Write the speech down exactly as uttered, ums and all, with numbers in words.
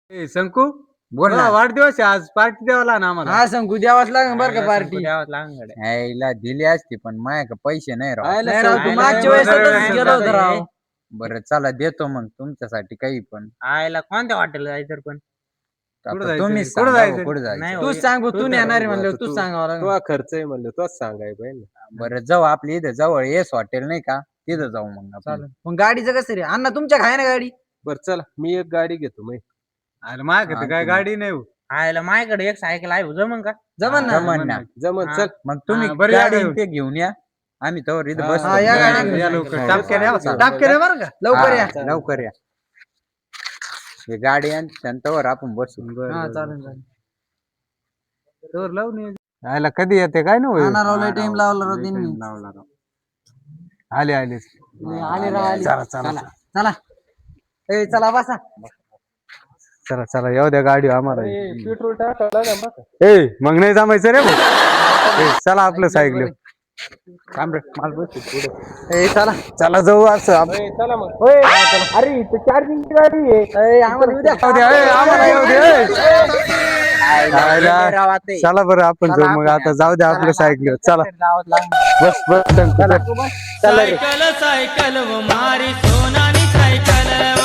ए शंकू बोल ना. मला वाढदिवस आहे आज पार्टी द्यावा लागेल आम्हाला. हा सांगू द्यावाच लागेल बरं का पार्टी. द्यावाच लागेल. यायला दिली असती पण माझ्याकडे पैसे नाही राव. आयला नाही राव, तू आयला मागच्या एवढं वेळेस सगळं गेलो होतो आहे. राव. बरं चला देतो मग तुमच्यासाठी काही पण. आयला कोणत्या हॉटेलला जायचं पण कुठं आता जायचं? तुम्ही कुठं सांगा जायचं? कुठं नाही जायचं. हो. तूच सांग भाऊ, तू तूच नेणार आहे सांग म्हणलं भाऊ, तूच तू- सांगावं लागेल. तो खर्च आहे म्हणलं तोच सांगाय पाहिजे. बरं जाऊ आपली इथं जवळ येस हॉटेल नाही का तिथं जाऊ मग आपण. चालेल. मग गाडीचं कसं रे अण्णा तुमच्या आहे ना गाडी? बरं चला मी एक गाडी घेतो मग. अरे माझ्याकडे तर काय गाडी नाही हो. आयला माझ्याकडे एक सायकल आहे जमन का? जमन ना. जमन ना. जमन हा. चल. मग तुम्ही हा, बरं या गाडी घेऊन. ते घेऊन या आम्ही तर इथं हा, बस हा, या गाडी घेऊन या या. लवकर हा. टापक्या द्या बसा. टापके रे बरं का लवकर या. लवकर या. हे गाडी आणि त्यांच्यावर आपण बसू. बरं, हा बरं, चालेल चालेल. तर लावून ये. आयला कधी येते काय ना होय? आणा राव लय हा, टाइम राव. लावला राव लय त्यांनी. time लावला राव. आले आले आले राव आले. चला चला चला चला ए चला बसा. चला चला येऊ द्या गाडी आम्हाला. पेट्रोल टाकायला ना बघा. ए मग नाही जमायचं रे भाऊ. ए, चला आपलं सायकल थांब रे, मला बसू पुढं. ए चला चला जाऊ असं आप- ए, चला मग. होय, अरे इथं चार्जिंग गाडी आहे. ए, आम्हाला उद्या येऊ द्या, ए, आम्हाला येऊ द्या, ए. आयला. चला बरं आपण जाऊ मग आता जाऊ द्या आपलं सायकल चला बस बस चला चला रे. सायकल सायकल वो मारी सोनानी सायकल